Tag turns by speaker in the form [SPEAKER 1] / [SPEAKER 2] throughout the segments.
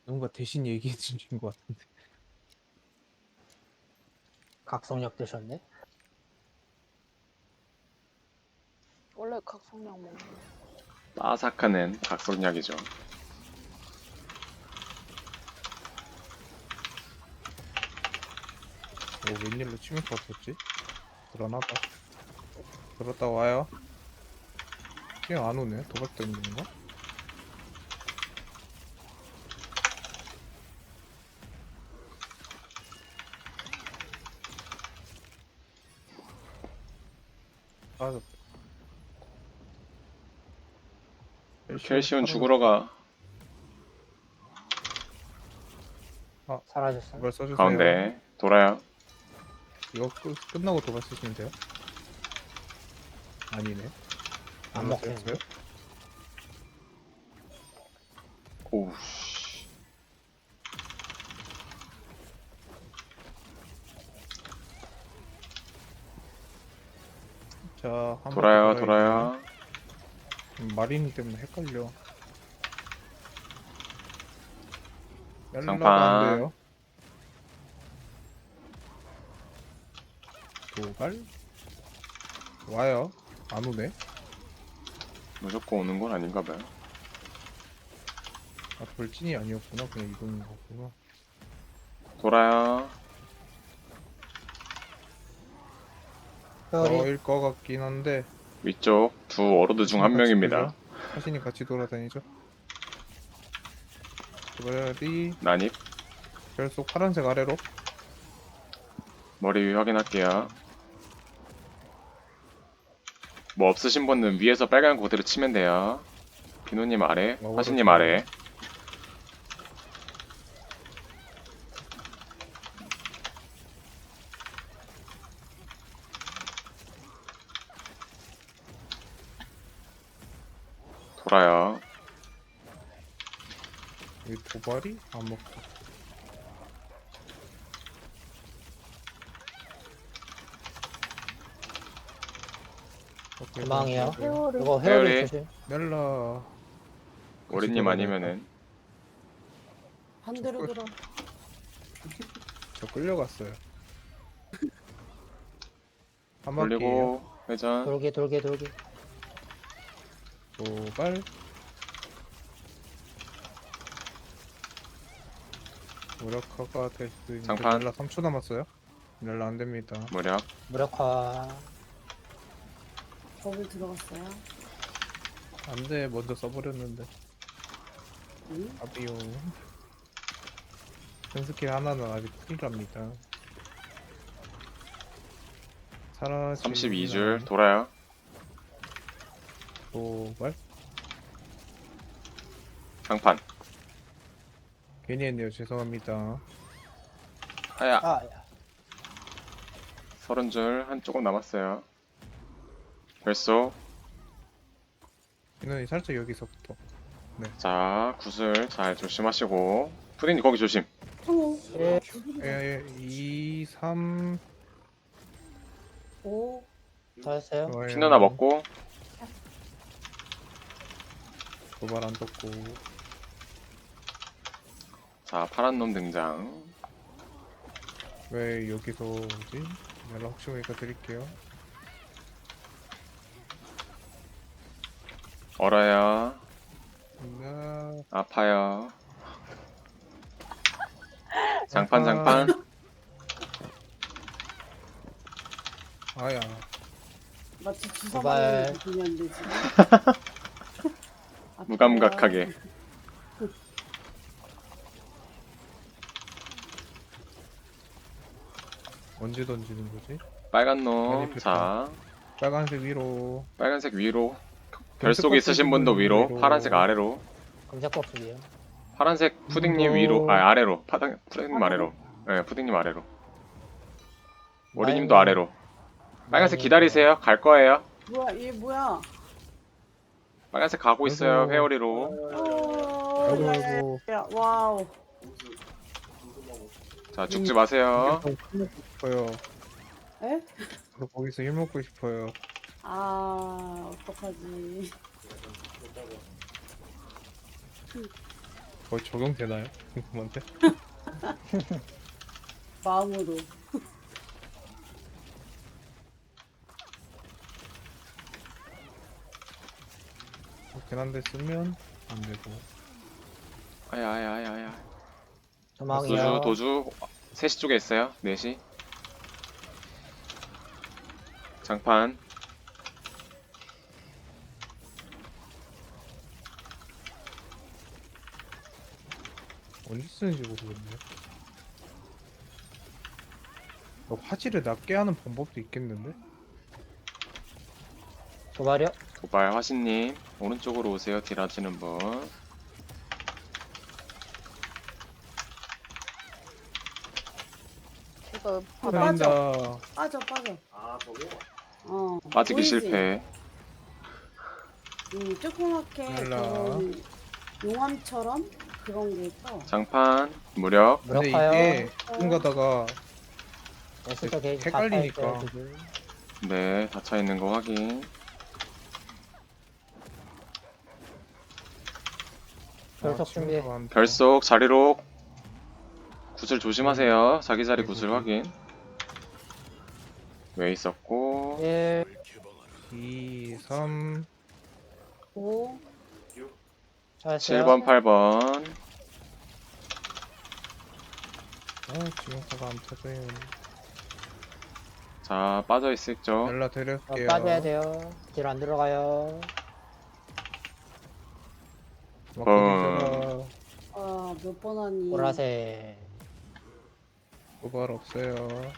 [SPEAKER 1] 누군가 대신 얘기해 주신 것 같은데.
[SPEAKER 2] 각성력 드셨네?
[SPEAKER 3] 원래 각성약 먹는
[SPEAKER 4] 빠삭한 앤 각성약이죠.
[SPEAKER 1] 웬일로 치명타 없었지? 드러나봐. 들었다 와요. 그냥 안 오네. 도박 때문인가? 빠졌다.
[SPEAKER 4] 켈시온 죽으러 가.
[SPEAKER 2] 사라졌어.
[SPEAKER 1] 도발 써주세요.
[SPEAKER 4] 가운데 돌아요.
[SPEAKER 1] 이거 끝나고 도발 쓰시면 돼요. 아니네.
[SPEAKER 2] 안 먹겠는데?
[SPEAKER 1] 써요?
[SPEAKER 4] 오우.
[SPEAKER 1] 자, 한번
[SPEAKER 4] 돌아요,
[SPEAKER 1] 더
[SPEAKER 4] 돌아요.
[SPEAKER 1] 마린 때문에 헷갈려.
[SPEAKER 4] 장판.
[SPEAKER 1] 안 돼요. 도발? 와요. 안 오네.
[SPEAKER 4] 무조건 오는 건 아닌가 봐요.
[SPEAKER 1] 아, 돌진이 아니었구나. 그냥 이동인 거구나.
[SPEAKER 4] 돌아요.
[SPEAKER 2] 회오리
[SPEAKER 1] 저일 것 같긴 한데.
[SPEAKER 4] 위쪽 두 워로드 중 한 명입니다.
[SPEAKER 1] 사신이 같이 돌아다니죠. 도발이
[SPEAKER 4] 난입.
[SPEAKER 1] 별속 파란색 아래로.
[SPEAKER 4] 머리 위 확인할게요. 뭐 없으신 분은 위에서 빨간 거 그대로 치면 돼요. 비누님 아래, 화신님 아래. 돌아요.
[SPEAKER 1] 이 도발이 안 먹고.
[SPEAKER 2] 도망이요.
[SPEAKER 3] 회오리.
[SPEAKER 2] 이거 회오리
[SPEAKER 4] 회오리.
[SPEAKER 2] 조심.
[SPEAKER 1] 멜라.
[SPEAKER 4] 오리님 아니면은
[SPEAKER 3] 한 대로 들어.
[SPEAKER 1] 저 끌려갔어요. 한 바퀴
[SPEAKER 4] 돌리고 회전.
[SPEAKER 2] 돌게.
[SPEAKER 1] 도발. 무력화가 될 수 있는데
[SPEAKER 4] 장판.
[SPEAKER 1] 멜라 3초 남았어요. 멜라 안 됩니다.
[SPEAKER 4] 무력.
[SPEAKER 2] 무력화.
[SPEAKER 3] 버블 들어갔어요.
[SPEAKER 1] 안 돼. 먼저 써버렸는데.
[SPEAKER 3] 응?
[SPEAKER 1] 아비오. 큰 스킬 하나는 아직 쿨이랍니다. 사라지.
[SPEAKER 4] 32줄 돌아요.
[SPEAKER 1] 도발.
[SPEAKER 4] 장판.
[SPEAKER 1] 괜히 했네요. 죄송합니다.
[SPEAKER 4] 하야.
[SPEAKER 2] 아, 야.
[SPEAKER 4] 30줄 한 조금 남았어요. 별속.
[SPEAKER 1] 이놈이 살짝 여기서부터.
[SPEAKER 4] 자, 구슬 잘 조심하시고. 푸딩님 거기 조심.
[SPEAKER 2] 예.
[SPEAKER 1] 2, 3.
[SPEAKER 3] 5.
[SPEAKER 2] 다 했어요.
[SPEAKER 4] 피누나 먹고.
[SPEAKER 1] 도발 안 떴고.
[SPEAKER 4] 자, 파란 놈 등장.
[SPEAKER 1] 왜 여기서 오지? 연락 혹시 모르니까 드릴게요.
[SPEAKER 4] 얼어요.
[SPEAKER 1] 나
[SPEAKER 4] 아파요. 장판.
[SPEAKER 1] 아야.
[SPEAKER 3] 마치 주사
[SPEAKER 2] 도발.
[SPEAKER 3] 맞는 느낌이었는데 지금.
[SPEAKER 4] 무감각하게.
[SPEAKER 1] 언제 던지는 거지?
[SPEAKER 4] 빨간
[SPEAKER 1] 많이
[SPEAKER 4] 놈.
[SPEAKER 1] 폈다.
[SPEAKER 4] 자,
[SPEAKER 1] 빨간색 위로.
[SPEAKER 4] 빨간색 위로. 별속 있으신 분도 위로. 파란색 아래로.
[SPEAKER 2] 검색 버프기요.
[SPEAKER 4] 파란색 푸딩님 위로. 아, 아래로. 푸딩님 아래로. 네, 푸딩님 아래로. 오리님도 아래로. 빨간색 기다리세요. 갈 거예요.
[SPEAKER 3] 뭐야 얘 뭐야?
[SPEAKER 4] 빨간색 가고 있어요.
[SPEAKER 1] 아이고.
[SPEAKER 4] 회오리로.
[SPEAKER 1] 아이고,
[SPEAKER 3] 야,
[SPEAKER 1] 아이고.
[SPEAKER 3] 야, 와우.
[SPEAKER 4] 자, 죽지 마세요.
[SPEAKER 1] 힘 먹고 싶어요.
[SPEAKER 3] 에?
[SPEAKER 1] 저도 거기서 힘 먹고 싶어요.
[SPEAKER 3] 아 어떡하지?
[SPEAKER 1] 거의 적용되나요? 궁금한데.
[SPEAKER 3] 마음으로.
[SPEAKER 1] 그렇긴 한데 쓰면 안 되고.
[SPEAKER 4] 아야.
[SPEAKER 2] 도망이요.
[SPEAKER 4] 도주 3시 쪽에 있어요. 4시. 장판.
[SPEAKER 1] 언제 쓰는지 모르겠네. 화질을 낮게 하는 방법도 있겠는데?
[SPEAKER 2] 도발이요.
[SPEAKER 4] 도발 화신님 오른쪽으로 오세요. 딜 하시는 분.
[SPEAKER 5] 이거
[SPEAKER 3] 어,
[SPEAKER 5] 바닥
[SPEAKER 1] 빠진다.
[SPEAKER 3] 빠져.
[SPEAKER 5] 아 저거?
[SPEAKER 4] 빠지기
[SPEAKER 3] 보이지?
[SPEAKER 4] 실패.
[SPEAKER 3] 조그맣게
[SPEAKER 1] 몰라.
[SPEAKER 3] 그런 용암처럼 그런 게 떠.
[SPEAKER 4] 장판 무력.
[SPEAKER 1] 근데
[SPEAKER 2] 무력화요.
[SPEAKER 1] 이게 가끔 가다가
[SPEAKER 2] 에스더 게이지
[SPEAKER 1] 헷갈리니까.
[SPEAKER 2] 다 차있어요, 지금.
[SPEAKER 4] 네, 닫혀 있는 거 확인.
[SPEAKER 2] 결석 준비.
[SPEAKER 4] 별속 자리로 구슬 조심하세요. 자기 자리 구슬 확인. 왜 있었고
[SPEAKER 2] 1.
[SPEAKER 1] 2, 3,
[SPEAKER 3] 5,
[SPEAKER 2] 차였어요.
[SPEAKER 4] 7번, 8번.
[SPEAKER 1] 지금까지 안 터져요.
[SPEAKER 4] 자, 빠져 있을죠.
[SPEAKER 1] 연락 드릴게요.
[SPEAKER 2] 빠져야 돼요. 딜 안 들어가요.
[SPEAKER 1] 막걸리
[SPEAKER 3] 몇 번 하니?
[SPEAKER 2] 보라색.
[SPEAKER 1] 도발 없어요.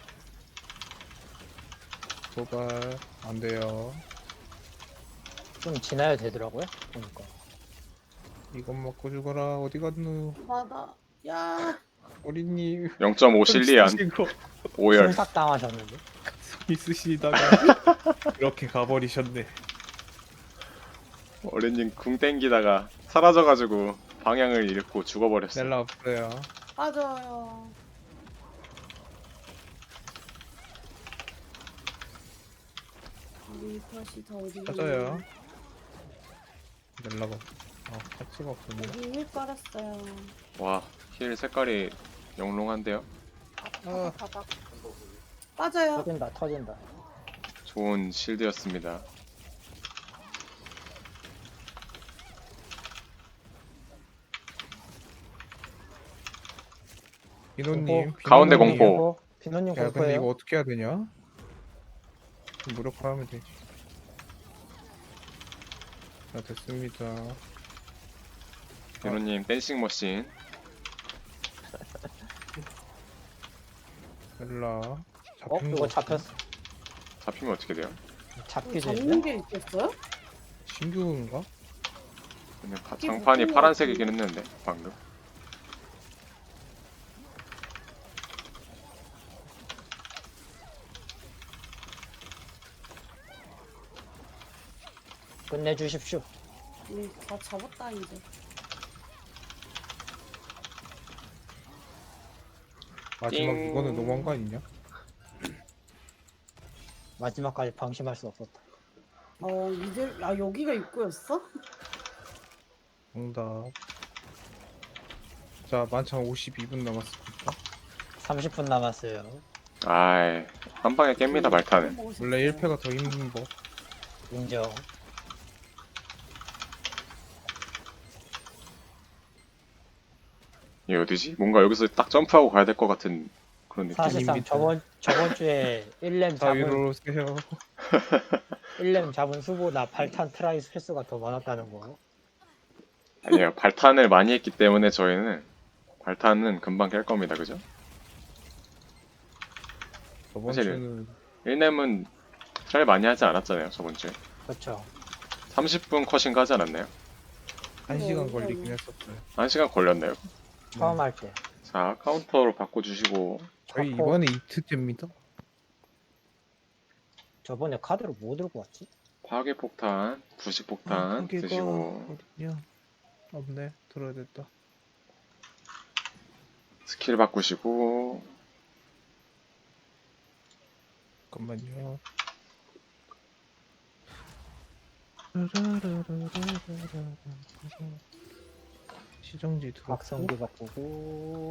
[SPEAKER 1] 도발 안 돼요.
[SPEAKER 2] 좀 지나야 되더라고요. 보니까.
[SPEAKER 1] 이것 먹고 죽어라. 어디 갔누?
[SPEAKER 3] 맞아. 야,
[SPEAKER 1] 어린이
[SPEAKER 4] 0.5 실리안
[SPEAKER 1] 쓰시고
[SPEAKER 4] 오열.
[SPEAKER 2] 순삭 당하셨는데.
[SPEAKER 1] 있으시다가 이렇게 가버리셨네.
[SPEAKER 4] 어린님 궁 땡기다가 사라져가지고 방향을 잃고 죽어버렸어.
[SPEAKER 1] 넬라 없어요.
[SPEAKER 3] 빠져요. 우리 컷이 더 어디
[SPEAKER 1] 맞아요. 넬라가 파츠가 없었네.
[SPEAKER 3] 여기 힐 깔았어요.
[SPEAKER 4] 와, 힐 색깔이 영롱한데요.
[SPEAKER 1] 아,
[SPEAKER 5] 바닥
[SPEAKER 3] 빠져요.
[SPEAKER 2] 터진다.
[SPEAKER 4] 좋은 실드였습니다.
[SPEAKER 1] 비노님.
[SPEAKER 4] 가운데
[SPEAKER 1] 비노님.
[SPEAKER 4] 공포.
[SPEAKER 2] 비노님
[SPEAKER 1] 야, 근데 이거
[SPEAKER 2] 공포예요.
[SPEAKER 1] 어떻게 해야 되냐? 무력화하면 되지. 자, 됐습니다.
[SPEAKER 4] 비노님 댄싱 머신.
[SPEAKER 1] 넬라. 잡힌
[SPEAKER 2] 이거
[SPEAKER 1] 거
[SPEAKER 2] 잡혔어.
[SPEAKER 4] 잡히면 어떻게 돼요?
[SPEAKER 2] 잡기도
[SPEAKER 3] 잡는
[SPEAKER 2] 했네.
[SPEAKER 3] 게 있겠어요?
[SPEAKER 1] 신규인가?
[SPEAKER 4] 근데
[SPEAKER 3] 이게
[SPEAKER 4] 장판이
[SPEAKER 3] 무슨
[SPEAKER 4] 파란색이긴 했는데 방금.
[SPEAKER 2] 끝내주십시오.
[SPEAKER 3] 다 잡았다 이제.
[SPEAKER 1] 마지막
[SPEAKER 4] 띵.
[SPEAKER 1] 이거는 너무한 거 아니냐?
[SPEAKER 2] 마지막까지 방심할 수 없었다.
[SPEAKER 3] 이제 여기가 입구였어?
[SPEAKER 1] 정답. 자, 만찬 52분 남았습니다.
[SPEAKER 2] 30분 남았어요.
[SPEAKER 4] 아이, 한 방에 깹니다 말타는.
[SPEAKER 1] 원래 1패가 더 힘든 법.
[SPEAKER 2] 인정.
[SPEAKER 4] 이게 어디지? 뭔가 여기서 딱 점프하고 가야 될 것 같은 그런 느낌.
[SPEAKER 2] 사실상
[SPEAKER 1] 재밌다.
[SPEAKER 2] 저번 주에 1렘
[SPEAKER 1] 자, 위로
[SPEAKER 2] 잡은
[SPEAKER 1] 오세요.
[SPEAKER 2] 1렘 잡은 수보다 발탄 트라이 횟수가 더 많았다는 거.
[SPEAKER 4] 아니에요. 발탄을 많이 했기 때문에 저희는 발탄은 금방 깰 겁니다. 그죠?
[SPEAKER 1] 저번
[SPEAKER 4] 사실-
[SPEAKER 1] 주는
[SPEAKER 4] 1렘은 트라이 많이 하지 않았잖아요. 저번 주에.
[SPEAKER 2] 그렇죠.
[SPEAKER 4] 30분 컷인가 하지 않았나요?
[SPEAKER 1] 1시간 걸리긴 했었어요.
[SPEAKER 4] 1시간 걸렸나요?
[SPEAKER 2] 처음 할 때.
[SPEAKER 4] 자, 카운터로 바꿔주시고.
[SPEAKER 1] 저희
[SPEAKER 2] 갖고-
[SPEAKER 1] 이번에 2트째입니다.
[SPEAKER 2] 저번에 카드로 뭐 들고 왔지?
[SPEAKER 4] 파괴폭탄, 부식폭탄 드시고
[SPEAKER 1] 어딨냐? 없네. 들어야 됐다.
[SPEAKER 4] 스킬 바꾸시고
[SPEAKER 1] 잠깐만요. 시정지 들어갔고
[SPEAKER 2] 각성기 바꾸고